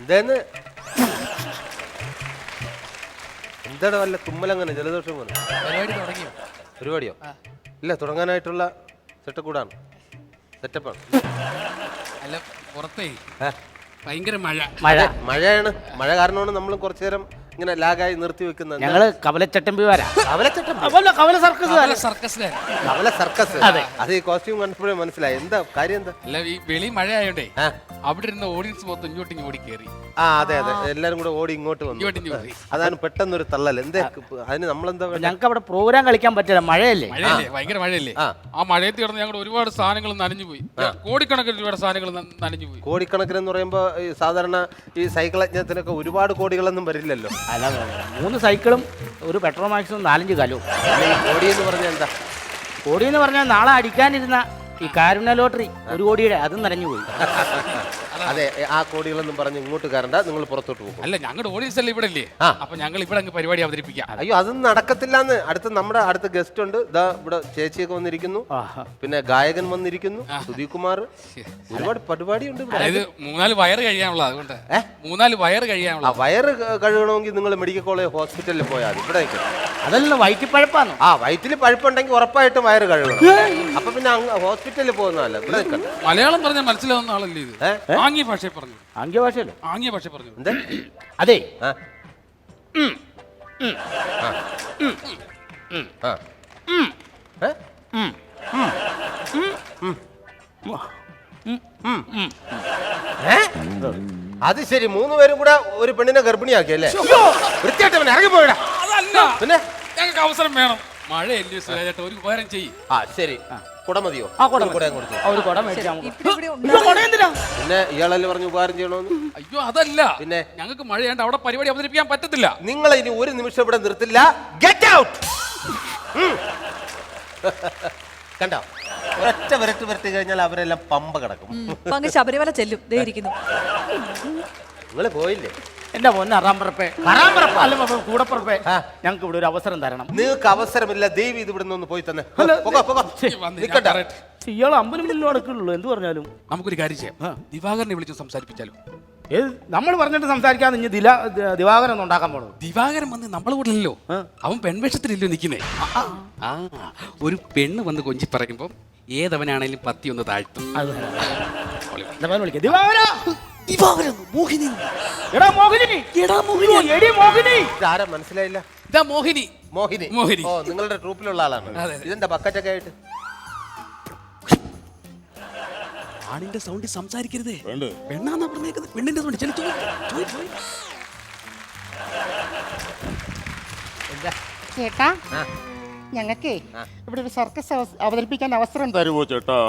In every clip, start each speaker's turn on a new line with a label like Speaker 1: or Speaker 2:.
Speaker 1: എന്താന്ന് എന്താണ് വല്ല തുമ്മലങ്ങനെ ജലദോഷം പോലെ
Speaker 2: പരിപാടി തുടങ്ങിയോ?
Speaker 1: പരിപാടിയോ? ഇല്ല, തുടങ്ങാനായിട്ടുള്ള സെറ്റപ്പാണ്.
Speaker 2: അല്ല, പുറത്തേ ഭയങ്കര മഴ.
Speaker 1: മഴയാണ്. മഴ കാരണമാണ് നമ്മൾ കുറച്ചു നേരം ഇങ്ങനെ ലാഗായി നിർത്തി വെക്കുന്നത്.
Speaker 3: ഞങ്ങള് കവലച്ചട്ടമ്പിമാരാ. കവല സർക്കസ്.
Speaker 1: അത് ഈ കോസ്റ്റ്യൂം കണ്ടപ്പോഴേ മനസ്സിലായി. എന്താ കാര്യം? എന്താ?
Speaker 2: അല്ല, ഈ വെളി മഴ ആയോണ്ടേ അവിടെ ഇരുന്ന ഓഡിയൻസ് മൊത്തം ഇങ്ങോട്ടും ഓടി കയറി.
Speaker 1: അതെ, എല്ലാരും കൂടെ ഓടി ഇങ്ങോട്ട് വന്നു. അതാണ് പെട്ടെന്നൊരു തള്ളൽ. എന്താ അതിന് നമ്മളെന്താ?
Speaker 3: ഞങ്ങൾക്ക് അവിടെ പ്രോഗ്രാം കളിക്കാൻ പറ്റില്ല, മഴയല്ലേ.
Speaker 2: ഭയങ്കര മഴയല്ലേ. ആ മഴയത്ത് കിടന്ന് ഞങ്ങൾ ഒരുപാട് സാധനങ്ങൾ നനഞ്ഞു പോയി. കോടിക്കണക്കിന് ഒരുപാട് സാധനങ്ങൾ നനഞ്ഞു പോയി.
Speaker 1: കോടിക്കണക്കിന് എന്ന് പറയുമ്പോ ഈ സാധാരണ ഈ സൈക്കിൾ യജ്ഞത്തിനൊക്കെ ഒരുപാട് കോടികളൊന്നും വരില്ലല്ലോ.
Speaker 3: അല്ല, 3 സൈക്കിളും ഒരു പെട്രോൾ മാക്സും 4-5 കലവും.
Speaker 1: കോടി എന്ന് പറഞ്ഞാൽ എന്താ?
Speaker 3: കോടി എന്ന് പറഞ്ഞാൽ നാളെ അടിക്കാനിരുന്ന ഈ കാരുണ്യ ലോട്ടറി 1 കോടിയുടെ അതും നനഞ്ഞു പോയി.
Speaker 1: അതെ, ആ കോടികളൊന്നും പറഞ്ഞ് ഇങ്ങോട്ട് കയറണ്ട, നിങ്ങൾ പുറത്തോട്ട് പോകും.
Speaker 2: അല്ല, ഞങ്ങളുടെ ഓഡിയൻസ് അല്ലേ ഇവിടെ ഇല്ലേ, അപ്പൊ ഞങ്ങൾ ഇവിടെ അങ്ങ് പരിപാടി അവതരിപ്പിക്കാം.
Speaker 1: അയ്യോ, അതൊന്നും നടക്കത്തില്ലാന്ന്. നമ്മുടെ അടുത്ത ഗസ്റ്റ് ഉണ്ട്. ഇതാ ഇവിടെ ചേച്ചിയൊക്കെ വന്നിരിക്കുന്നു, പിന്നെ ഗായകൻ വന്നിരിക്കുന്നു, സുധീപ് കുമാർ. ഒരുപാട് പരിപാടിയുണ്ട്.
Speaker 2: അതായത് 3-4 വയറ് കഴിയാനുള്ള. അതുകൊണ്ട് 3-4 വയറ് കഴിയാനുള്ള.
Speaker 1: വയറ് കഴുകണമെങ്കിൽ നിങ്ങൾ മെഡിക്കൽ കോളേജ് ഹോസ്പിറ്റലിൽ പോയാൽ മതി. ഇവിടെ
Speaker 3: അതല്ല, വയറ്റിൽ പഴുപ്പാണ്.
Speaker 1: വയറ്റിൽ പഴുപ്പുണ്ടെങ്കിൽ ഉറപ്പായിട്ടും വയറ് കഴുകണം. അപ്പൊ പിന്നെ ഹോസ്പിറ്റലിൽ പോകുന്നതല്ല. ഇവിടെ
Speaker 2: മലയാളം പറഞ്ഞാൽ മനസ്സിലാവുന്ന ആളല്ലേ ഇത്? ആംഗ്യ ഭാഷ പറഞ്ഞു.
Speaker 3: ആംഗ്യ ഭാഷയല്ലോ.
Speaker 2: ആംഗ്യ ഭാഷ പറഞ്ഞു.
Speaker 1: എന്താ?
Speaker 3: അതെ,
Speaker 1: അത് ശരി. 3 പേരും കൂടെ ഒരു പെണ്ണിനെ ഗർഭിണിയാക്കിയല്ലേ? വൃത്തിയായിട്ട് ഇറങ്ങി പോയിടാ. പിന്നെ
Speaker 2: ഞങ്ങൾക്ക് അവസരം വേണം. മഴയല്ലേ സുരേഷേട്ടാ, ഒരു ഉപകാരം ചെയ്യും.
Speaker 1: ശരി, കുട മതിയോ? പിന്നെ ഇയാളല്ലേ പറഞ്ഞു ഉപകാരം ചെയ്യണോന്ന്?
Speaker 2: അയ്യോ, അതല്ല. പിന്നെ ഞങ്ങൾക്ക് മഴയാണ്ട് അവിടെ പരിപാടി അവതരിപ്പിക്കാൻ പറ്റത്തില്ല.
Speaker 1: നിങ്ങൾ ഇനി ഒരു നിമിഷം ഇവിടെ നിർത്തില്ല. Get out. കണ്ടോ, ഒരൊറ്റ വരട്ടി കഴിഞ്ഞാൽ അവരെല്ലാം പമ്പ കിടക്കും.
Speaker 4: ശബരിമല ചെല്ലും.
Speaker 1: നിങ്ങള് പോയില്ലേ?
Speaker 3: എന്റെ പൊന്നെ അറാമ്പറപ്പേ, കൂടപ്പറപ്പേ, ഞങ്ങൾക്ക് ഇവിടെ ഒരു അവസരം തരണം.
Speaker 1: നിങ്ങൾക്ക് അവസരമില്ല. ദേവി ഇത് ഇവിടെ നിന്ന് പോയി തന്നെ.
Speaker 3: ഇയാൾ 50 മില്ലും അടക്കുള്ളൂ. എന്ത് പറഞ്ഞാലും
Speaker 2: നമുക്കൊരു കാര്യം ചെയ്യാം. ദിവാകരനെ വിളിച്ച് സംസാരിപ്പിച്ചാലോ?
Speaker 3: നമ്മൾ പറഞ്ഞിട്ട് സംസാരിക്കാതെ ഇനി ദിവാകരൻ ഒന്നും ഉണ്ടാക്കാൻ പോണത്.
Speaker 2: ദിവാകരൻ വന്ന് നമ്മളെ കൂടെ അല്ലല്ലോ, അവൻ പെൺവേഷത്തിലല്ലോ നിൽക്കുന്നേ. ഒരു പെണ്ണ് വന്ന് കൊഞ്ചി പറയുമ്പോ ഏതവനാണേലും പത്തി ഒന്ന് താഴ്ത്തും.
Speaker 1: മനസ്സിലായില്ല.
Speaker 2: ഇതാ മോഹിനി.
Speaker 1: മോഹിനി. ഓ, നിങ്ങളുടെ ട്രൂപ്പിലുള്ള ആളാണ്. ഇതെന്താ ബക്കറ്റൊക്കെ ആയിട്ട്?
Speaker 2: ആണിന്റെ സൗണ്ടിൽ സംസാരിക്കരുതേ. പെണ്ണാന്നാ പറഞ്ഞേക്കുന്നത്. പെണ്ണിന്റെ സൗണ്ട്.
Speaker 5: ചേട്ടാ, ഞങ്ങൾക്കേ ഇവിടെ ഒരു സർക്കസ് അവതരിപ്പിക്കാൻ അവസരം തരുമോ ചേട്ടാ?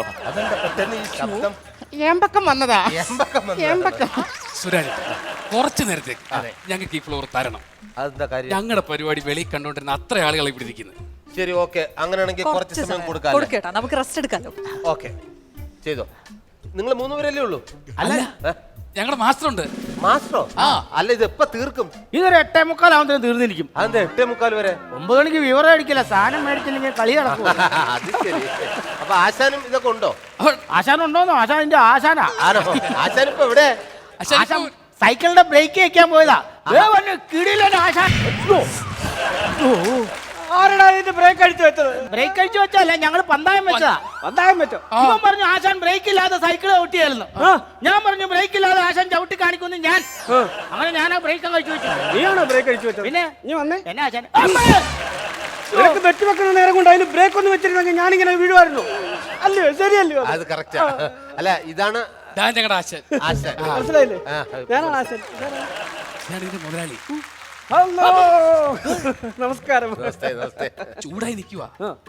Speaker 5: ഏമ്പക്കം വന്നതാ.
Speaker 2: സുരാജ്, കുറച്ചു നേരത്തേക്ക് ഞങ്ങൾക്ക് ഈ ഫ്ലോർ തരണം. ഞങ്ങളുടെ പരിപാടി വെളിയിൽ കണ്ടോണ്ടിരുന്ന അത്ര ആളുകൾ ഇവിടെ ഇരിക്കുന്നത്.
Speaker 1: ശരി, ഓക്കെ. അങ്ങനെയാണെങ്കിൽ കുറച്ച് സമയം
Speaker 4: കൊടുക്കാം. നമുക്ക് റെസ്റ്റ് എടുക്കാലോ.
Speaker 1: ഓക്കെ, ചെയ്തോ. നിങ്ങൾ 3 പേരല്ലേ ഉള്ളൂ?
Speaker 2: അല്ല, ഞങ്ങളുടെ മാസ്റ്റർ ഉണ്ട്.
Speaker 1: മാസ്റ്ററോ? അല്ല, ഇത് എപ്പ തീർക്കും?
Speaker 3: ഇതൊരു 8:45 ആവുമ്പോ തീർന്നിരിക്കും.
Speaker 1: അതെന്താ 8:45 വരെ?
Speaker 3: 9 മണിക്ക് വിവരം അടിക്കില്ല. സാധനം മേടിച്ചില്ലെങ്കിൽ കളി നടക്കും.
Speaker 1: അത് ശരി. അപ്പൊ ആശാനും ഇതൊക്കെ ഉണ്ടോ?
Speaker 3: ആശാൻ ഉണ്ടോന്നോ? ആശാനിന്റെ ആശാനാ.
Speaker 1: ആശാൻ ഇപ്പൊ എവിടെ?
Speaker 3: സൈക്കിളിന്റെ ബ്രേക്ക് വെക്കാൻ പോയതാ. ആശാൻ
Speaker 6: ആരടാ ഇതിന്റെ ബ്രേക്ക് അടിച്ചു വെച്ചത്?
Speaker 3: ബ്രേക്ക് അടിച്ചു വെച്ചല്ല, ഞങ്ങള് പന്തായം വെച്ചതാ.
Speaker 6: പന്തായം വെച്ചോ?
Speaker 3: ഇവൻ പറഞ്ഞു ആശാൻ ബ്രേക്ക് ഇല്ലാതെ സൈക്കിൾ ചവിട്ടിയായിരുന്നു. ഞാൻ പറഞ്ഞു ബ്രേക്ക് ഇല്ലാതെ ആശാൻ ചവിട്ടി കാണിക്കുന്നു. ഞാൻ അങ്ങനെ ഞാൻ ആ ബ്രേക്ക് കഴിച്ചു വെച്ചു.
Speaker 6: നീയാണോ ബ്രേക്ക് അടിച്ചു വെച്ചത്?
Speaker 3: പിന്നെ
Speaker 6: നീ വന്നേ.
Speaker 3: എന്നെ ആശാൻ
Speaker 6: നിനക്ക് വെട്ടി വെക്കുന്ന നേരം കൊണ്ട് അതിന് ബ്രേക്ക് ഒന്നും വെച്ചിരുന്നെങ്കിൽ ഞാനിങ്ങനെ വീഴുമായിരുന്നു. അല്ലയോ? ശരിയല്ലയോ?
Speaker 1: അത് കറക്റ്റാ. അല്ല, ഇതാണ്
Speaker 2: ഞങ്ങളുടെ ആശാൻ.
Speaker 6: മനസ്സിലായില്ലേ? ഞാനാണ് ആശാൻ.
Speaker 2: ഞാനിതിന്റെ മുതലാളി.
Speaker 6: ഹലോ, നമസ്കാരം.
Speaker 2: ചൂടായി നിൽക്കുക.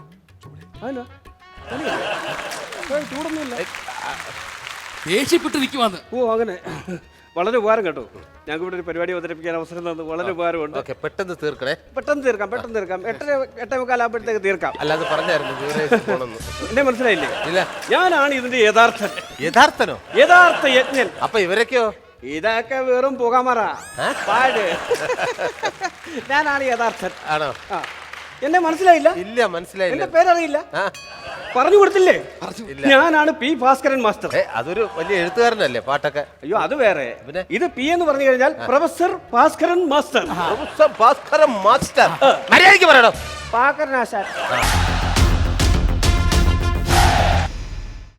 Speaker 6: ചൂടൊന്നുമില്ല,
Speaker 2: ദേഷ്യപ്പെട്ട് നിൽക്കുവാന്ന്.
Speaker 6: ഓ, അങ്ങനെ. വളരെ ഉപകാരം കേട്ടോ. ഞങ്ങൾക്ക് ഇവിടെ ഒരു പരിപാടി അവതരിപ്പിക്കാൻ അവസരം തന്നു. വളരെ ഉപകാരമുണ്ട്.
Speaker 1: പെട്ടെന്ന് തീർക്കണേ.
Speaker 6: പെട്ടെന്ന് തീർക്കാം. 8:45 ആകുമ്പോഴത്തേക്ക് തീർക്കാം.
Speaker 1: അല്ലാതെ പറഞ്ഞായിരുന്നു.
Speaker 6: എന്നെ മനസ്സിലായില്ലേ? ഇല്ല. ഞാനാണ് ഇതിന്റെ യഥാർത്ഥൻ.
Speaker 1: യഥാർത്ഥനോ?
Speaker 6: യഥാർത്ഥ യജ്ഞൻ.
Speaker 1: അപ്പൊ ഇവരൊക്കെയോ?
Speaker 6: ഇതൊക്കെ വെറും പുകമറ പാട്. ഞാനാണ് യഥാർത്ഥൻ.
Speaker 1: ആണോ?
Speaker 6: എന്നെ മനസ്സിലായില്ല?
Speaker 1: ഇല്ല മനസ്സിലായില്ല.
Speaker 6: എന്റെ പേരറിയില്ല?
Speaker 1: ആ,
Speaker 6: പറഞ്ഞു കൊടുത്തില്ലേ?
Speaker 1: ഇല്ല.
Speaker 6: ഞാനാണ് പി ഭാസ്കരൻ മാസ്റ്റർ.
Speaker 1: അതൊരു വലിയ എഴുത്തുകാരനല്ലേ പാട്ടൊക്കെ?
Speaker 6: അയ്യോ അത് വേറെ.
Speaker 1: പിന്നെ?
Speaker 6: ഇത് പി എന്ന് പറഞ്ഞു കഴിഞ്ഞാൽ professor Bhaskaran master.
Speaker 1: Professor Bhaskaran master. മര്യാദയ്ക്ക് പറയണം.
Speaker 6: ഭാസ്കരനാശാൻ.